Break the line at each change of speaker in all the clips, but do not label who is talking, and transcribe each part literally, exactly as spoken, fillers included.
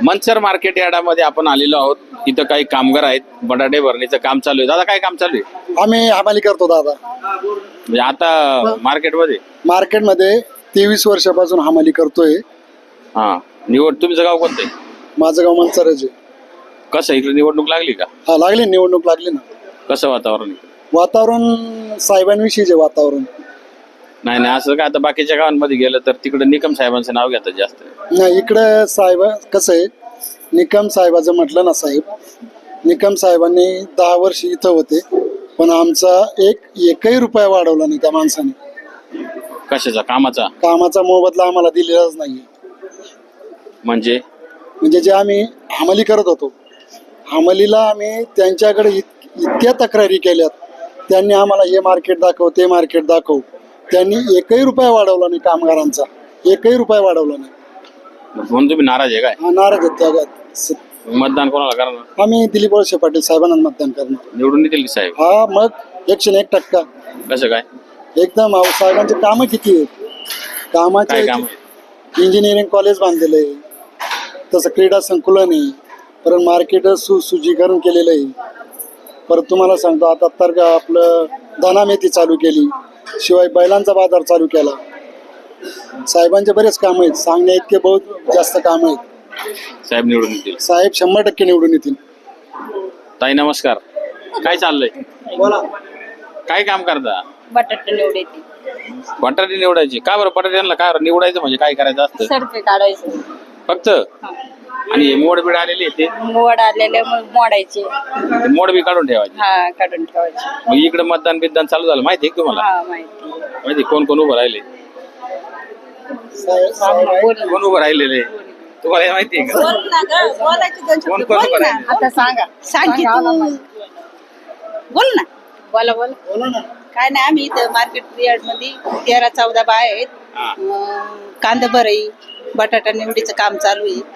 Mansar market यार्डामध्ये आपण आलेलो आहोत. इथं काही कामगार आहेत. बटाटे भरणीचं काम चालू आहे. दादा काय काम चालू आहे?
आम्ही हमाली करतो दादा.
म्हणजे आता मार्केटमध्ये
मार्केटमध्ये तेवीस वर्षापासून हमाली करतोय.
हा निवड तुमचं गाव कोणतं आहे?
माझं गाव मनसरच आहे.
कसं इकडे निवडणूक लागली का?
हा लागली निवडणूक लागली ना.
कसं वातावरण आहे?
वातावरण साहेबांविषयीचे वातावरण.
नाही नाही असं काय आता बाकीच्या गावांमध्ये गेलं तर तिकडे निकम साहेबांचं नाव घेतात जास्त.
नाही इकडे साहेब कसं आहे, निकम साहेबाचं म्हटलं ना साहेब, निकम साहेबांनी दहा वर्ष इथं होते पण आमचा एक एकही रुपया वाढवला नाही त्या माणसाने.
कशाचा? कामाचा?
कामाचा मोबदला आम्हाला दिलेलाच नाही.
म्हणजे
म्हणजे जे आम्ही हमाली करत होतो, हमालीला आम्ही त्यांच्याकडे इत इतक्या तक्रारी केल्यात. त्यांनी आम्हाला हे मार्केट दाखव ते मार्केट दाखव. त्यांनी एकही रुपया वाढवला नाही कामगारांचा, एकही रुपया वाढवला नाही.
म्हणून तुम्ही नाराज आहे काय?
हा नाराज आहेत त्या.
मतदान कोणाला करणार?
आम्ही दिलीप वळसे पाटील साहेबांना मतदान करणार.
निवडून येतील की साहेब?
हा मग एकशे एक टक्का.
कसं काय?
एकदम अहो, साहेबांचे कामं किती आहेत. कामाचे
काय काम आहे?
इंजिनिअरिंग कॉलेज बांधलेलं आहे, तसं क्रीडा संकुलन आहे, परत मार्केट सुशुचीकरण केलेलं आहे. परत तुम्हाला सांगतो आता तर आपलं धना मेथी चालू केली, शिवाय बैलांचा बाजार चालू केला. साहेबांचे बरेच काम आहेत, सांगण्या इतके बहुत जास्त काम आहेत.
साहेब निवडून येतील.
साहेब शंभर टक्के निवडून येतील.
ताई नमस्कार. काय चाललंय?
बोला.
काय काम करता?
बटाटे निवडायचे,
बटाटे निवडायचे. का बरं बटाट्यांना काय निवडायचं म्हणजे काय करायचं असतं?
सरपे काढायचे
फक्त? आणि मोड बीड आलेले आहे ते
मोड आलेले मग मोडायचे.
ते मोड बी काढून ठेवायचे.
हा काढून ठेवायचे.
मग इकडे मतदान बिद्दान चालू झालं माहिती आहे का तुम्हाला?
हा माहिती.
माहिती कोण कोण उभं राहिले?
साहेब- साहेब आहेत.
बोल
कोण उभं राहिलेले तुम्हाला हे माहिती आहे का? कोण कोण उभं राहिले?
आता सांगा. सांग की तू. बोल ना. बोला बोला.
बोला ना.
काय नाही, आम्ही इथं मार्केट यार्ड मध्ये तेरा चौदा बाय आहेत.
हा.
अं, कांदा भराई बटाटा निवडीचं काम चालू आहे.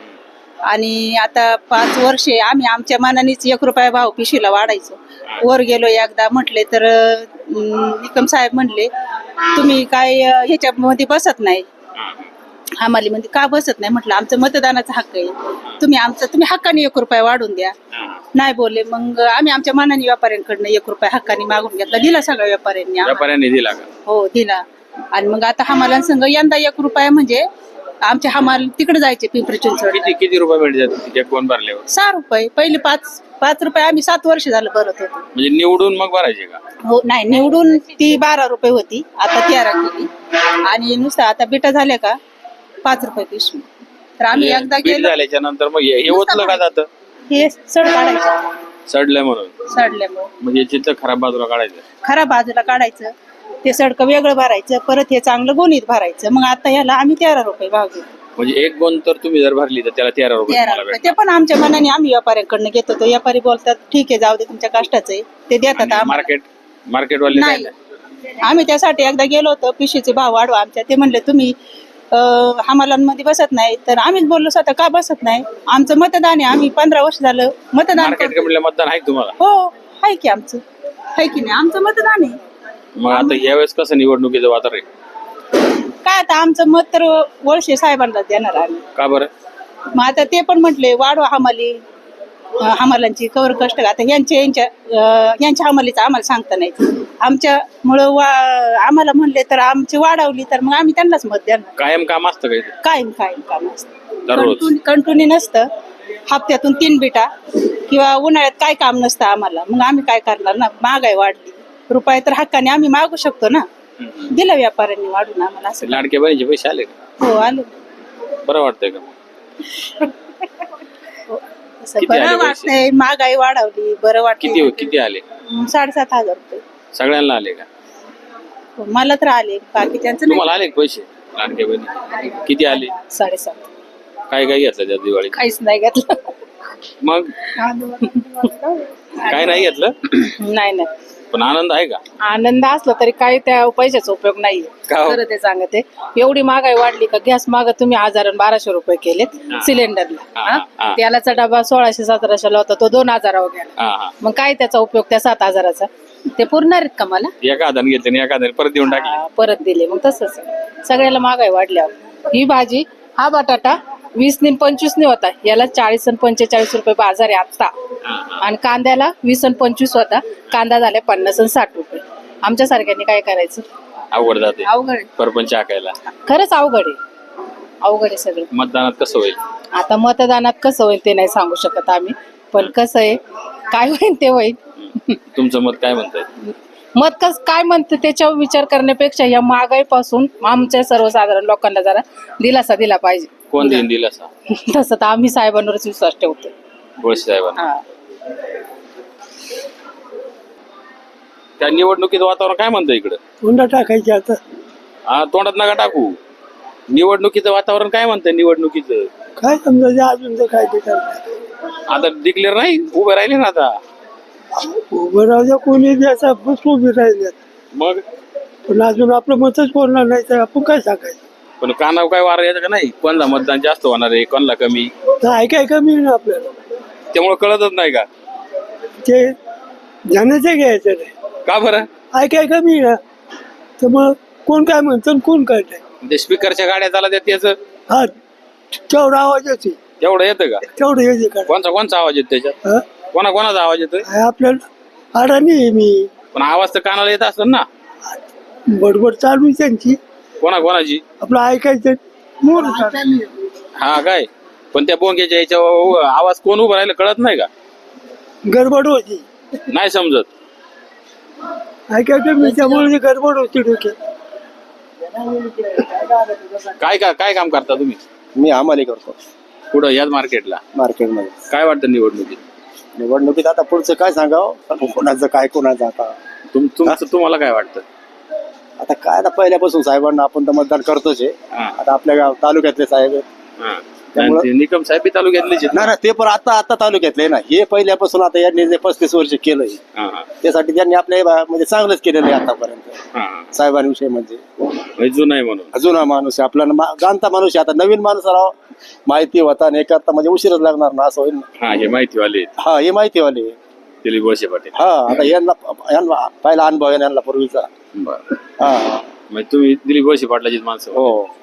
आणि आता पाच वर्षे आम्ही आमच्या मनानेच एक रुपया भाव पिशीला वाढायचो. वर गेलो एकदा म्हटले तर अं, निकम साहेब म्हणले तुम्ही काय अं, ह्याच्यामध्ये बसत नाही, हमालीमध्ये का बसत नाही. म्हटलं आमचं मतदानाचा हक्क आहे, तुम्ही आमचं तुम्ही हक्काने एक रुपया वाढून द्या. नाही बोलले. मग आम्ही आमच्या मनाने व्यापाऱ्यांकडनं एक रुपया हक्काने मागून घेतला, दिला सगळ्या व्यापाऱ्यांनी आम्हाला.
व्यापाऱ्यांनी दिला का?
हो दिला. आणि मग आता हमालां संघ यंदा एक रुपया म्हणजे आमचे हमाल तिकडे जायचे पिंपरी चिंचवड.
किती किती रुपये मिळतात एक कोण भरल्यावर?
सहा रुपये. पहिले पाच पाच रुपये आम्ही सात वर्ष झालं भरत होतो.
म्हणजे निवडून मग भरायचे का?
हो नाही, निवडून ती बारा रुपये होती, आता तेरा केली. आणि नुसतं आता बिटा झाल्या का पाच रुपये पिशवी. तर आम्ही एकदा
म्हणजे बीट
गेलो,
झाल्याच्या नंतर मग हे हे ओतलं का जातं?
हे सड काढायचं.
सडलंय म्हणून
सडल्यामुळे
म्हणजे चित्र खराब बाजूला काढायचं.
खराब बाजूला काढायचं, ते सडकं वेगळं भरायचं, परत हे चांगलं गोणीत भरायचं. मग आता ह्याला आम्ही तेरा रुपये भाव घेतो.
म्हणजे एक गोण तर तुम्ही जर भरली तर त्याला तेरा रुपये
तेरा
तुम्हाला
रुपये.
भेटतात.
ते पण आमच्या मनाने आम्ही व्यापाऱ्यांकडनं घेतो. तो व्यापारी बोलतात ठीक आहे जाऊ दे तुमच्या कष्टाचं आहे, ते देतात
आणि
आम्हाला.
मार्केट मार्केटवाले
नाही,
नाही.
आम्ही त्यासाठी एकदा गेलो होतो, पिशीचे भाव वाढवा आमच्या. ते म्हणले तुम्ही हमालांमध्ये बसत नाही. तर आम्हीच बोललो स्वतः का बसत नाही, आमचं मतदान आहे, आम्ही पंधरा वर्ष झालं मतदान
मार्केट
करतो.
कमिटीला मतदान आहे का तुम्हाला?
हो आहे की आमचं, आहे की नाही, आमचं मतदान आहे.
मग आता यावेळेस कसं निवडणुकीचं वातावरण आहे?
काय आता आमचं मत तर वळसे साहेबांना देणार आम्ही.
का बरं?
मग आता ते पण म्हटले वाढवा हमाली, अं, हमालांची कवर कष्ट. आता यांच्या यांच्या अं, यांच्या हमालीचं आम्हाला सांगता नाही. आमच्यामुळं वा आम्हाला म्हणले तर आमची वाढवली तर मग आम्ही त्यांनाच मत देणार.
कायम काम असतं का इथे?
कायम कायम काम असतं,
दररोज?
कंटिन्यू नसतं. हप्त्यातून तीन बिटा किंवा उन्हाळ्यात काय काम नसतं आम्हाला. मग आम्ही काय करणार ना, महागाई वाढली, रुपये तर हक्काने आम्ही मागू शकतो ना. दिला व्यापाऱ्यांनी वाढून आम्हाला. असं
लाडके बहिणीचे पैसे आले का?
हो आले.
बरं वाटतंय का?
असं
किती
बरं
आले पैसे?
वाटतंय, महागाई वाढवली, बरं
किती
वाटतं.
किती आले?
साडेसात हजार रुपये
सगळ्यांना आले का?
मला तर आले, बाकीच्यांचं नाही.
तुम्हाला आले का पैसे लाडके बहिणी? किती आले?
साडेसात.
काय काय घेतलं त्या दिवाळी?
काहीच नाही घेतलं.
मग काय नाही घेतलं?
नाही नाही,
पण आनंद आहे का?
आनंद असला तरी काही त्या पैशाचा उपयोग नाहीये.
का हो?
खरं ते सांगते, एवढी महागाई वाढली का गॅस माग तुम्ही हजार आणि बाराशे रुपये केलेत
हा.
सिलेंडरला.
हा,
हा?
हा.
तेलाचा डबा सोळाशे सतराशेला होता, तो दोन हजारावर गेला.
हा हा.
मग काय त्याचा उपयोग त्या सात हजाराचा? ते पुरणार आहेत का मला?
एका हाताने घेतले आणि एका हाताने परत देऊन टाकले.
हा, परत दिले. मग तसंच सगळ्याला महागाई वाढल्यावर ही भाजी, हा बटाटा
वीस नि पंचवीस नि होता, याला चाळीस आणि पंचेचाळीस रुपये बाजार आहे आता. आणि कांद्याला वीस आणि पंचवीस होता, कांदा झाला पन्नास आणि साठ रुपये. आमच्या सारख्यांनी काय करायचं?
अवघड जाते
अवघड आहे.
परपंच आकायला.
खरंच अवघड आहे, अवघड आहे सगळं.
मतदानात कसं होईल?
आता मतदानात कसं होईल ते नाही सांगू शकत आम्ही, पण कसं आहे काय होईल ते होईल.
तुमचं मत काय म्हणताय?
मत कस काय म्हणते त्याच्यावर विचार करण्यापेक्षा या महागाईपासून आमच्या सर्वसाधारण लोकांना जरा दिलासा दिला पाहिजे.
कोण देईन दिला असा?
तसं तर आम्ही साहेबांवरच विश्वास ठेवतो.
गोळसे साहेबांना.
हा.
त्या निवडणुकीचं वातावरण काय म्हणतं इकडं?
कोणता टाकायचे आता?
हा, तोंडात नका टाकू. निवडणुकीचं वातावरण काय म्हणतं? निवडणुकीचं
काय समजायचं अजून तर काय ते करणार.
आता डिक्लेअर नाही, उभे राहिले ना आता.
उभं राहू द्या, कोणी बी असा बस उभे राहिले,
मग
पण अजून आपलं मतच बोलणार नाही तर आपण काय सांगायचं?
पण कानावर काय वार यायचं का नाही? कोणाला मतदान जास्त होणार आहे, कोणाला कमी?
तर ऐकाय कमी ना आपल्याला,
त्यामुळे कळतच नाही का?
ते जाण्याचं घ्यायचं नाही.
का बरं?
ऐकाय कमी ना, तर मग कोण काय म्हणतं कोण काय नाही.
ते स्पीकरच्या गाड्या चालत आहेत त्याचं
हा, तेवढा आवाज येते,
तेवढं येतं का?
तेवढं येते का?
कोणचा कोणचा आवाज येतो त्याच्यात?
हा?
कोणा कोणाचा आवाज येतोय?
काय आपल्याला अडाणी आहे मी,
पण आवाज तर कानाला येत असत ना.
बडबड चालू आहे त्यांची,
कोणा कोणाची?
आपलं ऐकायचं मोर
हा काय? पण त्या बोंग्याच्या याच्या आवाज कोण उभं राहिलं कळत नाही का?
गडबड होती,
नाही समजत.
ऐकायचं मी, त्यामुळे गडबड होती डोक्यात.
काय का काय काम करता तुम्ही?
मी आम्हाला करतो
कुठं? याच मार्केटला.
मार्केटमध्ये.
काय वाटतं निवडणुकीत?
निवडणुकीत आता पुढचं काय सांगावं, कोणाचं काय कोणाचं आता.
तुम तुमचं तुम्हाला काय वाटतं?
आता काय आता पहिल्यापासून साहेबांना आपण तर मतदान करतोच आहे.
हा.
आता आपल्या गाव तालुक्यातले साहेब आहेत.
हा.
त्यामुळं-
आणि ते निकम साहेब बी तालुक्यातलेच आहेत
नाही
ना?
ना, ते पण आता आता तालुक्यातले ना, हे पहिल्यापासून आता यांनी जे पस्तीस वर्ष केलंय
हा, हा.
त्यासाठी त्यांनी आपल्या बा- म्हणजे चांगलंच केलेलं आहे आतापर्यंत
हा, हा.
साहेबांविषयी. म्हणजे
म्हणजे जुनं आहे म्हणून.
जुना माणूस आहे आपला, मा- जाणता माणूस आहे. आता नवीन माणूस राव माहिती होता आणि एक आता म्हणजे उशीरच लागणार ना, असं होईल ना.
हा, हे माहितीवाले आहेत.
हा, हे माहितीवाले.
दिलीप वळसे पाटील.
हा, आता यांना यांना पहिला अनुभव आहे यांना पूर्वीचा.
बरं.
हा,
म्हणजे तुम्ही दिलीप वळसे पाटलाचीच माणसं.
हो.